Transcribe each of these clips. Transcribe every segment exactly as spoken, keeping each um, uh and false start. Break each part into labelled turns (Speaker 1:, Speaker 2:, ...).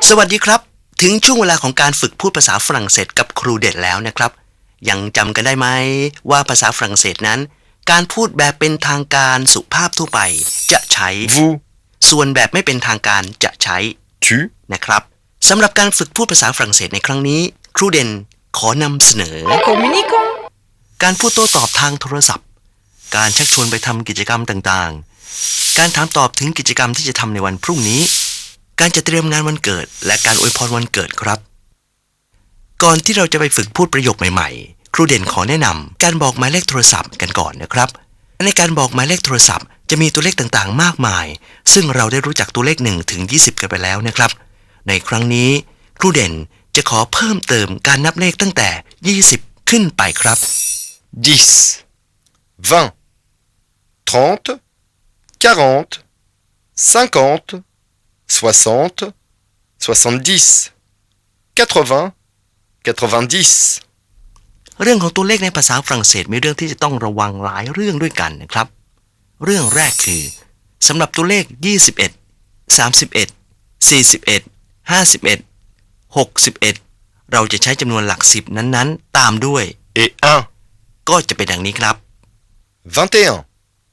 Speaker 1: สวัสดีครับถึงช่วงเวลาของการฝึกพูดภาษาฝรั่งเศสกับครูเด็ดแล้วนะครับยังจำกันได้ไหมว่าภาษาฝรั่งเศสนั้นการพูดแบบเป็นทางการสุภาพทั่วไปจะใช้
Speaker 2: vous
Speaker 1: ส่วนแบบไม่เป็นทางการจะใช้
Speaker 2: tu
Speaker 1: นะครับสำหรับการฝึกพูดภาษาฝรั่งเศสในครั้งนี้ครูเด่นขอนำเสนอ
Speaker 3: Communiquons
Speaker 1: การพูดโต้ตอบทางโทรศัพท์การชักชวนไปทำกิจกรรมต่างๆการถามตอบถึงกิจกรรมที่จะทำในวันพรุ่งนี้การจะเตรียมงานวันเกิดและการอวยพรวันเกิดครับก่อนที่เราจะไปฝึกพูดประโยคใหม่ๆครูเด่นขอแนะนำการบอกหมายเลขโทรศัพท์กันก่อนนะครับในการบอกหมายเลขโทรศัพท์จะมีตัวเลขต่างๆมากมายซึ่งเราได้รู้จักตัวเลขหนึ่งถึงยี่สิบกันไปแล้วนะครับในครั้งนี้ครูเด่นจะขอเพิ่มเติมการนับเลขตั้งแต่ยี่สิบขึ้นไปครับ
Speaker 2: dix vingt trente quarante cinquante soixante soixante-dix quatre-vingts quatre-vingt-dix
Speaker 1: เรื่องของตัวเลขในภาษาฝรั่งเศสมีเรื่องที่จะต้องระวังหลายเรื่องด้วยกันนะครับเรื่องแรกคือสำหรับตัวเลขยี่สิบเอ็ด สามสิบเอ็ด สี่สิบเอ็ด ห้าสิบเอ็ด หกสิบเอ็ดเราจะใช้จำนวนหลักสิบนั้นๆตามด้วย
Speaker 2: et un
Speaker 1: ก็จะเป็นดังนี้ครับ
Speaker 2: vingt et un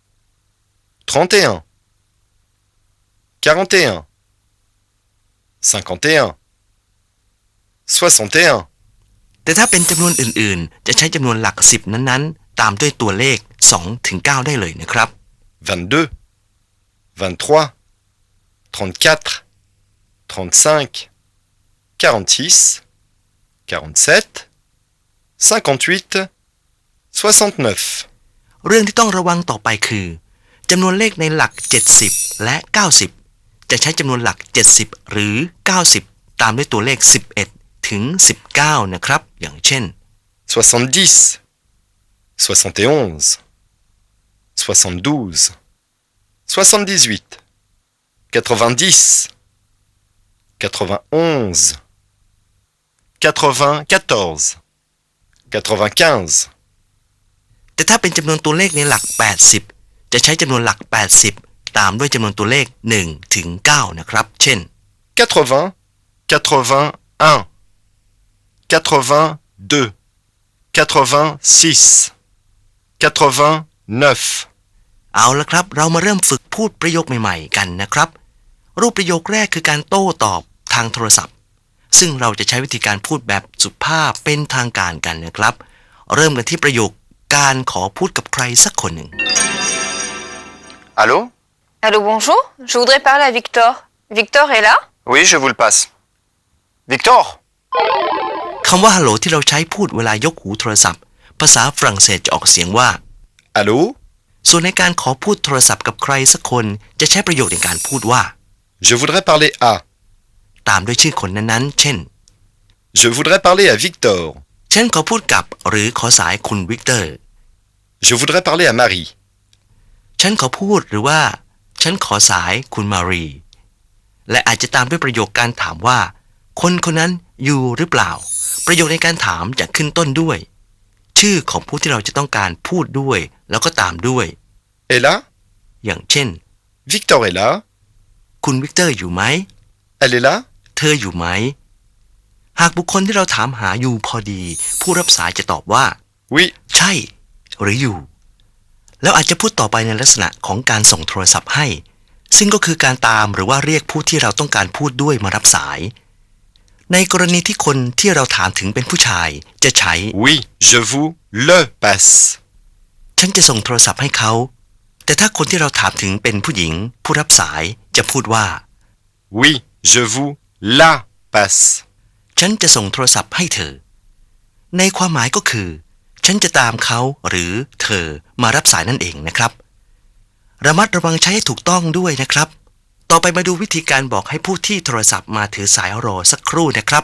Speaker 2: trente et un quarante et un cinquante et un soixante et un
Speaker 1: แต่ถ้าเป็นจำนวนอื่นๆจะใช้จำนวนหลักสิบนั้นๆตามด้วยตัวเลขสองถึงเก้าได้เลยนะครับ
Speaker 2: vingt-deux vingt-trois trente-quatre trente-cinq quarante-six quarante-sept cinquante-huit soixante-neuf
Speaker 1: เรื่องที่ต้องระวังต่อไปคือจำนวนเลขในหลักเจ็ดสิบและเก้าสิบจะใช้จำนวนหลักเจ็ดสิบหรือเก้าสิบตามด้วยตัวเลขสิบเอ็ดถึงสิบเก้านะครับอย่างเช่น
Speaker 2: soixante-dix soixante et onze soixante-douze soixante-dix-huit quatre-vingt-dix quatre-vingt-onze quatre-vingt-quatorze quatre-vingt-quinze
Speaker 1: แต่ถ้าเป็นจำนวนตัวเลขในหลักแปดสิบจะใช้จำนวนหลักแปดสิบตามด้วยจำนวนตัวเลขหนึ่งถึงเก้านะครับเช่น
Speaker 2: quatre-vingts quatre-vingt-un quatre-vingt-deux quatre-vingt-six quatre-vingt-neuf
Speaker 1: เอาละครับเรามาเริ่มฝึกพูดประโยคใหม่ๆกันนะครับรูปประโยคแรกคือการโต้ตอบทางโทรศัพท์ซึ่งเราจะใช้วิธีการพูดแบบสุภาพเป็นทางการกันนะครับเริ่มกันที่ประโยคการขอพูดกับใครสักคนหนึ่ง
Speaker 2: Allô
Speaker 3: Allô, bonjour. Je voudrais parler à Victor. Victor est là?
Speaker 2: Oui, je vous le passe. Victor
Speaker 1: คำว่าฮัลโหลที่เราใช้พูดเวลายกหูโทรศัพท์ภาษาฝรั่งเศสจะออกเสียงว่า
Speaker 2: Allô
Speaker 1: ส่วนในการขอพูดโทรศัพท์กับใครสักคนจะใช้ประโยคในการพูดว่า
Speaker 2: Je voudrais parler à
Speaker 1: ตามด้วยชื่อคนนั้นๆเช่น
Speaker 2: Je voudrais parler à Victor
Speaker 1: ฉันขอพูดกับหรือขอสายคุณวิกเตอร์
Speaker 2: Je voudrais parler à Marie
Speaker 1: ฉันขอพูดหรือว่าฉันขอสายคุณมารีและอาจจะตามด้วยประโยคการถามว่าคนคนนั้นอยู่หรือเปล่าประโยคในการถามจะขึ้นต้นด้วยชื่อของผู้ที่เราจะต้องการพูดด้วยแล้วก็ตามด้วย
Speaker 2: Est là
Speaker 1: อย่างเช่น
Speaker 2: Victor est là
Speaker 1: คุณวิกเตอร์อยู่ไหม
Speaker 2: Elle est là
Speaker 1: เธออยู่ไหมหากบุคคลที่เราถามหาอยู่พอดีผู้รับสายจะตอบว่า
Speaker 2: Oui
Speaker 1: ใช่หรืออยู่แล้วอาจจะพูดต่อไปในลักษณะของการส่งโทรศัพท์ให้ซึ่งก็คือการตามหรือว่าเรียกผู้ที่เราต้องการพูดด้วยมารับสายในกรณีที่คนที่เราถามถึงเป็นผู้ชายจะใช้
Speaker 2: Oui, je vous le passe
Speaker 1: ฉันจะส่งโทรศัพท์ให้เขาแต่ถ้าคนที่เราถามถึงเป็นผู้หญิงผู้รับสายจะพูดว่า
Speaker 2: Oui, je vous la passe
Speaker 1: ฉันจะส่งโทรศัพท์ให้เธอในความหมายก็คือฉันจะตามเขาหรือเธอมารับสายนั่นเองนะครับระมัดระวังใช้ให้ถูกต้องด้วยนะครับต่อไปมาดูวิธีการบอกให้ผู้ที่โทรศัพท์มาถือสายรอสักครู่นะครับ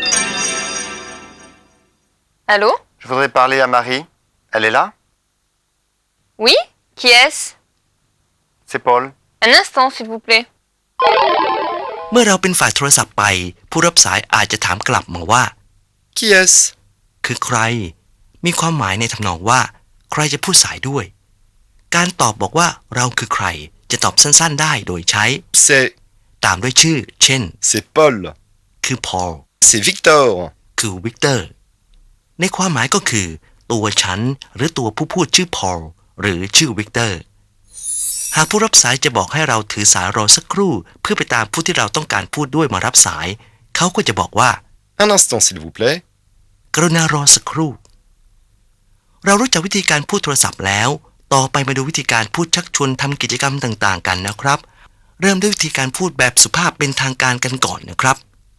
Speaker 3: Allô?
Speaker 2: Je voudrais parler à Marie. Elle est là
Speaker 3: Oui? Qui est-ce?
Speaker 2: C'est Paul.
Speaker 3: Un instant, s'il vous plaît.
Speaker 1: เมื่อเราเป็นฝ่ายโทรศัพท์ไปผู้รับสายอาจจะถามกลับมาว่า
Speaker 2: Qui est-ce
Speaker 1: คือใครมีความหมายในทำนองว่าใครจะพูดสายด้วยการตอบบอกว่าเราคือใครจะตอบสั้นๆได้โดยใช้
Speaker 2: C'est
Speaker 1: ตามด้วยชื่อเช่น
Speaker 2: c'est Paul
Speaker 1: คือ Paul
Speaker 2: C'est Victor.
Speaker 1: คือ Victor ในความหมายก็คือตัวฉันหรือตัวผู้พูดชื่อ Paul หรือชื่อ Victor หากผู้รับสายจะบอกให้เราถือสายรอสักครู่เพื่อไปตามผู้ที่เราต้องการพูดด้วยมารับสายเขาก็จะบอกว่า
Speaker 2: Un instant, s'il vous plaît.
Speaker 1: กรุณารอสักครู่เรารู้จักวิธีการพูดโทรศัพท์แล้วต่อไปมาดูวิธีการพูดชักชวนทำกิจกรรมต่างๆกันนะครับเริ่มด้วยวิธีการพูดแบบสุภาพเป็นทางการกันก่อนนะครับ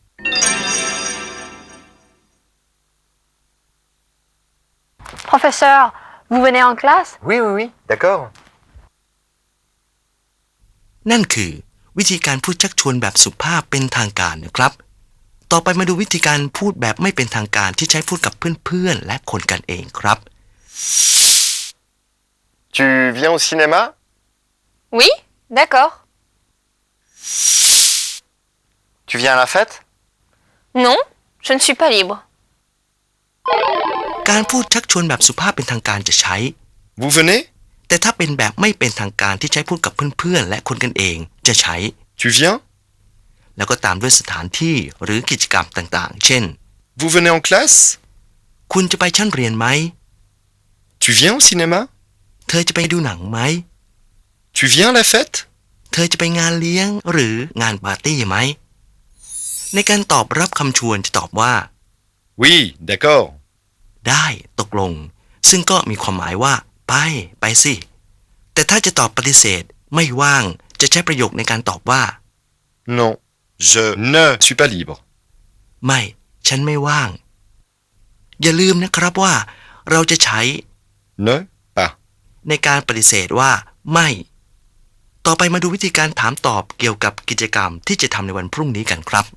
Speaker 3: Professeur, vous venez en classe?
Speaker 4: Oui, oui, oui, d'accord.
Speaker 1: นั่นคือวิธีการพูดชักชวนแบบสุภาพเป็นทางการนะครับต่อไปมาดูวิธีการพูดแบบไม่เป็นทางการที่ใช้พูดกับเพื่อนๆและคนกันเองครับ
Speaker 4: Tu viens au cinéma?
Speaker 3: Oui, d'accord.
Speaker 4: Tu viens à la fête?
Speaker 3: Non, je ne suis pas libre.
Speaker 1: การพูดชักชวนแบบสุภาพเป็นทางการจะใช้
Speaker 2: Vous venez?
Speaker 1: แต่ถ้าเป็นแบบไม่เป็นทางการที่ใช้พูดกับเพื่อนๆและคนกันเองจะใช้
Speaker 2: Tu viens?
Speaker 1: แล้วก็ตามด้วยสถานที่หรือกิจกรรมต่างๆ เช่น
Speaker 2: Vous venez en classe?
Speaker 1: คุณจะไปชั้นเรียนไหม
Speaker 2: Tu viens au cinéma?
Speaker 1: เธอจะไปดูหนังไหม
Speaker 2: Tu viens à la fête?
Speaker 1: เธอจะไปงานเลี้ยงหรืองานปาร์ตี้ไหมในการตอบรับคำชวนจะตอบว่า
Speaker 2: Oui, d'accord.
Speaker 1: ได้ตกลงซึ่งก็มีความหมายว่าไปไปสิแต่ถ้าจะตอบปฏิเสธไม่ว่างจะใช้ประโยคในการตอบว่า
Speaker 2: Non, je ne suis pas libre.
Speaker 1: ไม่ฉันไม่ว่างอย่าลืมนะครับว่าเราจะใช้
Speaker 2: Ne pas.
Speaker 1: ในการปฏิเสธว่าไม่ต่อไปมาดูวิธีการถามตอบเกี่ยวกับกิจกรรมที่จะทำในวันพรุ่งนี้กันครับ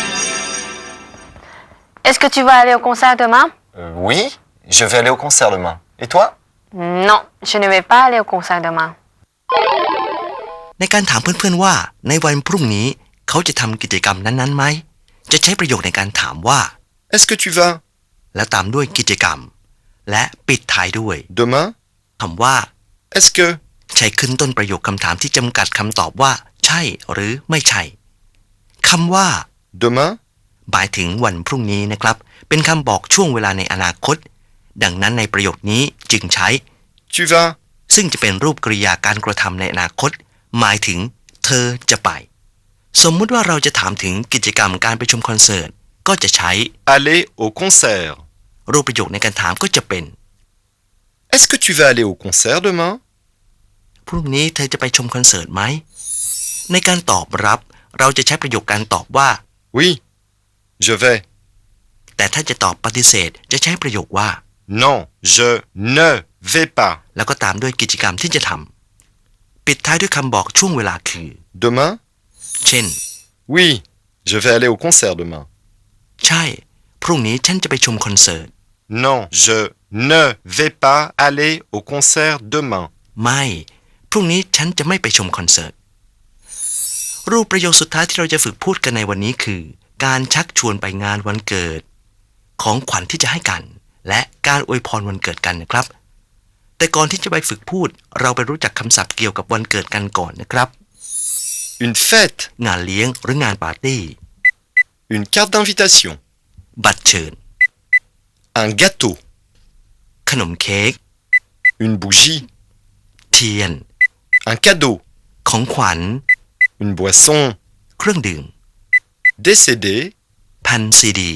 Speaker 3: Est-ce que tu vas aller au concert demain?
Speaker 4: Euh, oui, je vais aller au concert demain. Et toi?
Speaker 3: Non, je ne vais pas aller au concert demain.
Speaker 1: ในการถามเพื่อนๆว่าในวันพรุ่งนี้เขาจะทำกิจกรรมนั้นๆไหมจะใช้ประโยคในการถามว่า
Speaker 2: Est-ce que tu vas?
Speaker 1: แล้วตามด้วยกิจกรรมและปิดท้ายด้วย
Speaker 2: Demain?
Speaker 1: คำว่า
Speaker 2: Est-ce que?
Speaker 1: ใช้ขึ้นต้นประโยคคำถามที่จำกัดคำตอบว่าใช่หรือไม่ใช่คำว่า
Speaker 2: Demain?
Speaker 1: หมายถึงวันพรุ่งนี้นะครับเป็นคำบอกช่วงเวลาในอนาคตดังนั้นในประโยคนี้จึงใช้
Speaker 2: Tu vas?
Speaker 1: ซึ่งจะเป็นรูปกริยาการกระทำในอนาคตหมายถึงเธอจะไปสมมุติว่าเราจะถามถึงกิจกรรมการไปชมคอนเสิร์ตก็จะใช้
Speaker 2: Aller au concert.
Speaker 1: รูปประโยคในการถามก็จะเป็น
Speaker 2: Est-ce que tu vas aller au concert demain?
Speaker 1: พรุ่งนี้เธอจะไปชมคอนเสิร์ตไหมในการตอบรับเราจะใช้ประโยคการตอบว่า
Speaker 2: Oui, je vais.
Speaker 1: แต่ถ้าจะตอบปฏิเสธจะใช้ประโยคว่า
Speaker 2: Non, je ne vais pas.
Speaker 1: แล้วก็ตามด้วยกิจกรรมที่จะทำปิดท้ายด้วยคำบอกช่วงเวลาคือ
Speaker 2: Demain?
Speaker 1: เช่น
Speaker 2: Oui, je vais aller au concert demain.
Speaker 1: ใช่พรุ่งนี้ฉันจะไปชมคอนเสิร์ต
Speaker 2: Non, je ne vais pas aller au concert demain.
Speaker 1: ไม่พรุ่งนี้ฉันจะไม่ไปชมคอนเสิร์ตรูปประโยคสุดท้ายที่เราจะฝึกพูดกันในวันนี้คือการชักชวนไปงานวันเกิดของขวัญที่จะให้กันและการอวยพรวันเกิดกันนะครับแต่ก่อนที่จะไปฝึกพูดเราไปรู้จักคำศัพท์เกี่ยวกับวันเกิดกันก่อนนะครับ
Speaker 2: Une fête.
Speaker 1: งานเลี้ยงหรืองานปาร์ตี้
Speaker 2: Une carte d'invitation.
Speaker 1: บัตรเชิญ
Speaker 2: Un gâteau.
Speaker 1: ขนมเค้ก
Speaker 2: Une bougie.
Speaker 1: เทียน
Speaker 2: Un cadeau.
Speaker 1: ของขวัญ
Speaker 2: Une boisson.
Speaker 1: เครื่องดื่ม
Speaker 2: Des C D.
Speaker 1: แผ่นซีดี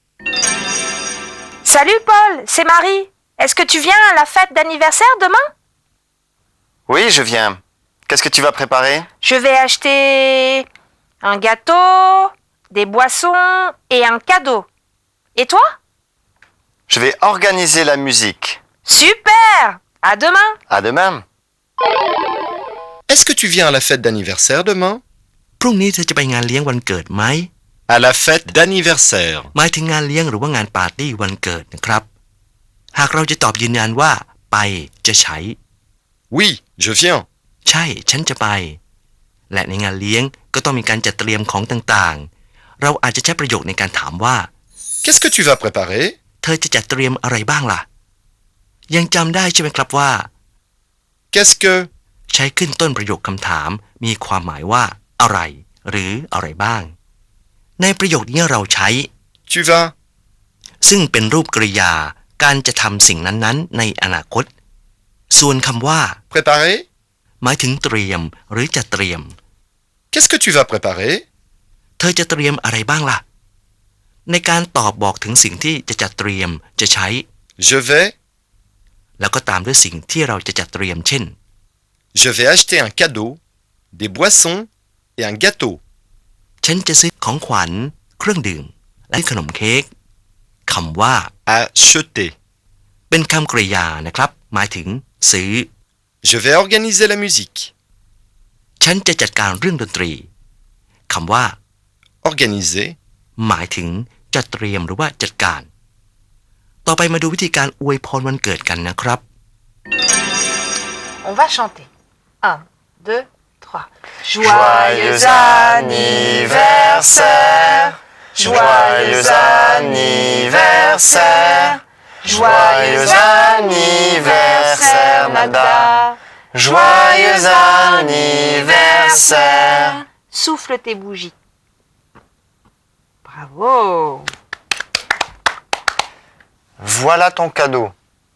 Speaker 3: Salut Paul, c'est Marie. Est-ce que tu viens à la fête d'anniversaire demain?
Speaker 4: Oui, je viens. Qu'est-ce que tu vas préparer?
Speaker 3: Je vais acheter un gâteau, des boissons et un cadeau. Et toi?
Speaker 4: Je vais organiser la musique.
Speaker 3: Super! À demain!
Speaker 4: À demain.
Speaker 2: Est-ce que tu viens à la fête d'anniversaire demain?
Speaker 1: พรุ่งนี้เธอจะไปงานเลี้ยงวันเกิดไหม
Speaker 2: À la fête d'anniversaire.
Speaker 1: หมายถึงงานเลี้ยงหรือว่างานปาร์ตี้วันเกิดนะครับหากเราจะตอบยืนยันว่าไปจะใช้
Speaker 2: Oui, je viens.
Speaker 1: ใช่ฉันจะไปและในงานเลี้ยงก็ต้องมีการจัดเตรียมของต่างๆเราอาจจะใช้ประโยคในการถามว่า
Speaker 2: Qu'est-ce que tu vas préparer?
Speaker 1: เธอจะจัดเตรียมอะไรบ้างล่ะยังจำได้ใช่ไหมครับว่า
Speaker 2: Qu'est-ce que?
Speaker 1: ใช้ขึ้นต้นประโยคคำถามมีความหมายว่าอะไรหรืออะไรบ้างในประโยคนี้เราใช้
Speaker 2: Tu vas.
Speaker 1: ซึ่งเป็นรูปกริยาการจะทำสิ่งนั้นๆในอนาคต ส่วนคำว่า
Speaker 2: Préparer.
Speaker 1: หมายถึงเตรียมหรือจะเตรียม
Speaker 2: Qu'est-ce que tu vas préparer?
Speaker 1: เธอจะเตรียมอะไรบ้างล่ะ ในการตอบบอกถึงสิ่งที่จะจัดเตรียมจะใช้
Speaker 2: Je vais.
Speaker 1: แล้วก็ตามด้วยสิ่งที่เราจะจัดเตรียมเช่น
Speaker 2: Je vais acheter un cadeau, des boissons et un gâteau.
Speaker 1: ฉันจะซื้อของขวัญเครื่องดื่มและขนมเค้กคำว่า
Speaker 2: Acheter.
Speaker 1: เป็นคำกริยานะครับ หมายถึงซื้อ
Speaker 2: Je vais organiser la musique.
Speaker 1: ฉันจะจัดการเรื่องดนตรีคำว่า
Speaker 2: Organiser.
Speaker 1: หมายถึงจัดเตรียมหรือว่าจัดการ ต่อไปมาดูวิธีการอวยพรวันเกิดกันนะครับ
Speaker 3: On va chanter. un, deux, trois.
Speaker 4: Joyeux anniversaire, joyeux anniversaire, joyeux anniversaire Nada, joyeux anniversaire.
Speaker 3: Souffle tes bougies. Bravo.
Speaker 4: Voilà ton cadeau.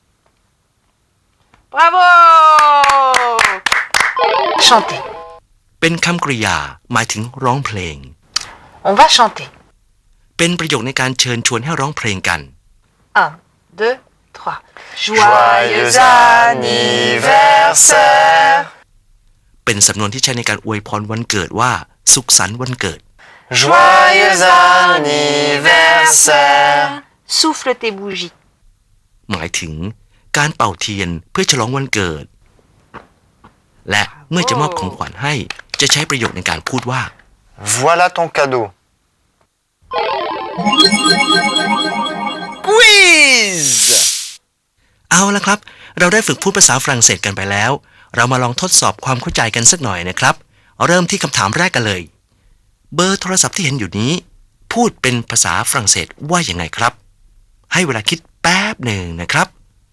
Speaker 3: Bravo. Chanter.
Speaker 1: เป็นคำกริยาหมายถึงร้องเพลง
Speaker 3: On va chanter.
Speaker 1: เป็นประโยคในการเชิญชวนให้ร้องเพลงกัน
Speaker 3: un, deux, trois.
Speaker 4: Joyeux anniversaire,
Speaker 1: เป็นสำนวนที่ใช้ในการอวยพรวันเกิดว่า สุขสันต์วันเกิด
Speaker 4: joyeux anniversaire.
Speaker 3: Souffle tes bougies.
Speaker 1: หมายถึงการเป่าเทียนเพื่อฉลองวันเกิด และเมื่อจะมอบของขวัญให้จะใช้ประโยคในการพูดว่า
Speaker 4: Voilà ton cadeau.
Speaker 2: Quiz.
Speaker 1: เอาละครับ เราได้ฝึกพูดภาษาฝรั่งเศสกันไปแล้ว เรามาลองทดสอบความเข้าใจกันสักหน่อยนะครับ เริ่มที่คำถามแรกกันเลย เบอร์โทรศัพท์ที่เห็นอยู่นี้ พูดเป็นภาษาฝรั่งเศสว่าอย่างไงครับ ให้เวลาคิดแป๊บหนึ่งนะครับ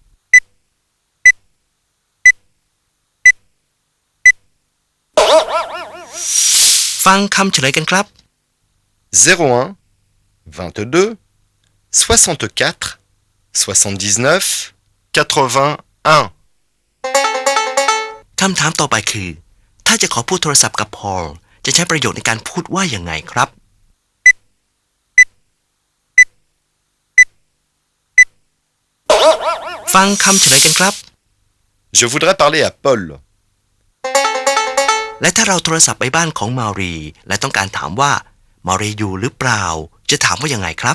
Speaker 1: ฟังคำเฉลยกันครับ
Speaker 2: zéro un, vingt-deux, soixante-quatre, soixante-dix-neuf, quatre-vingt-un.
Speaker 1: คำถามต่อไปคือ ถ้าจะขอพูดโทรศัพท์กับพอลจะใช้ประโยชน์ในการพูดว่าอย่างไงครับ ฟังคำเฉลยกันครับ
Speaker 2: Je voudrais parler à Paul.
Speaker 1: และถ้าเราโทรศัพท์ไปบ้านของมารีและต้องการถามว่ามารีอยู่หรือเปล่าจะถามว่ายังไงครับ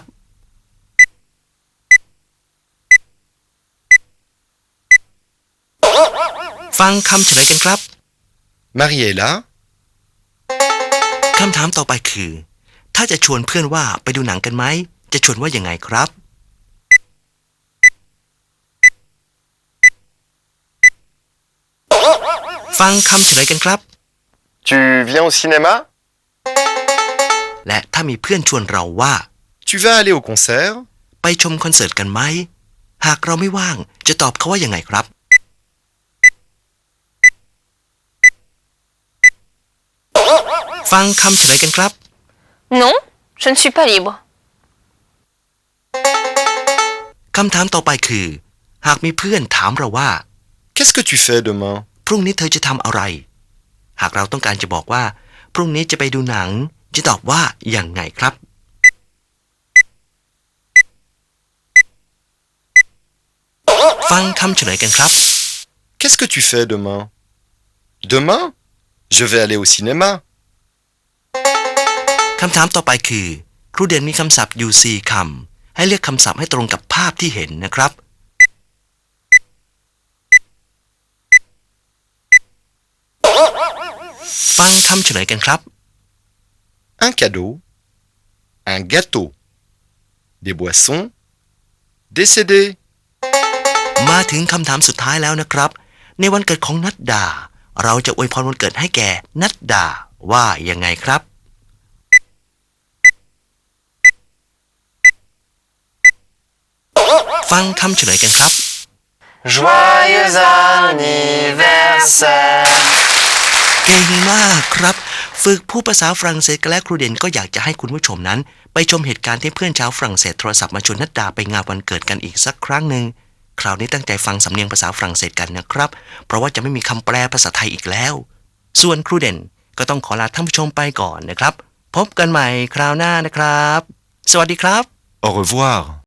Speaker 1: ฟังคำเฉลยกันครับ
Speaker 2: Marie est là.
Speaker 1: คำถามต่อไปคือ ถ้าจะชวนเพื่อนว่าไปดูหนังกันไหมจะชวนว่ายังไงครับ ฟังคำเฉลยกันครับ
Speaker 4: Tu viens au cinéma?
Speaker 1: และถ้ามีเพื่อนชวนเราว่า
Speaker 2: Tu vas aller au concert?
Speaker 1: ไปชมคอนเสิร์ตกันไหมหากเราไม่ว่างจะตอบเขาว่ายังไงครับ ฟังคำเฉลยกันครับ
Speaker 3: Non, je ne suis pas libre.
Speaker 1: คำถามต่อไปคือ หากมีเพื่อนถามเราว่า
Speaker 2: Qu'est-ce que tu fais demain?
Speaker 1: พรุ่งนี้เธอจะทำอะไร หากเราต้องการจะบอกว่า พรุ่งนี้จะไปดูหนังจะตอบว่าอย่างไงครับ ฟังคำเฉลยกันครับ
Speaker 2: Qu'est-ce que tu fais demain? Demain? Je vais aller au cinéma.
Speaker 1: คำถามต่อไปคือ ครูเด่นมีคำศัพท์อยู่สี่คำให้เลือกคำศัพท์ให้ตรงกับภาพที่เห็นนะครับ ฟังคำเฉลยกันครับ
Speaker 2: Un cadeau, un gâteau, des boissons, des ซี ดี
Speaker 1: มาถึงคำถามสุดท้ายแล้วนะครับ ในวันเกิดของนัดดา เราจะอวยพรวันเกิดให้แก่นัดดาว่ายังไงครับ ฟังคำเฉลยกันครับ
Speaker 4: Joyeux anniversaire.
Speaker 1: เก่งมากครับฝึกพูดภาษาฝรั่งเศสกันและครูเด่นก็อยากจะให้คุณผู้ชมนั้น ไปชมเหตุการณ์ที่เพื่อนชาวฝรั่งเศสโทรศัพท์มาชวนนัดดาไปงานวันเกิดกันอีกสักครั้งหนึ่งคราวนี้ตั้งใจฟังสำเนียงภาษาฝรั่งเศสกันนะครับเพราะว่าจะไม่มีคำแปลภาษาไทยอีกแล้วส่วนครูเด่นก็ต้องขอลาท่านผู้ชมไปก่อนนะครับพบกันใหม่คราวหน้านะครับสวัสดีครับ
Speaker 2: Au revoir.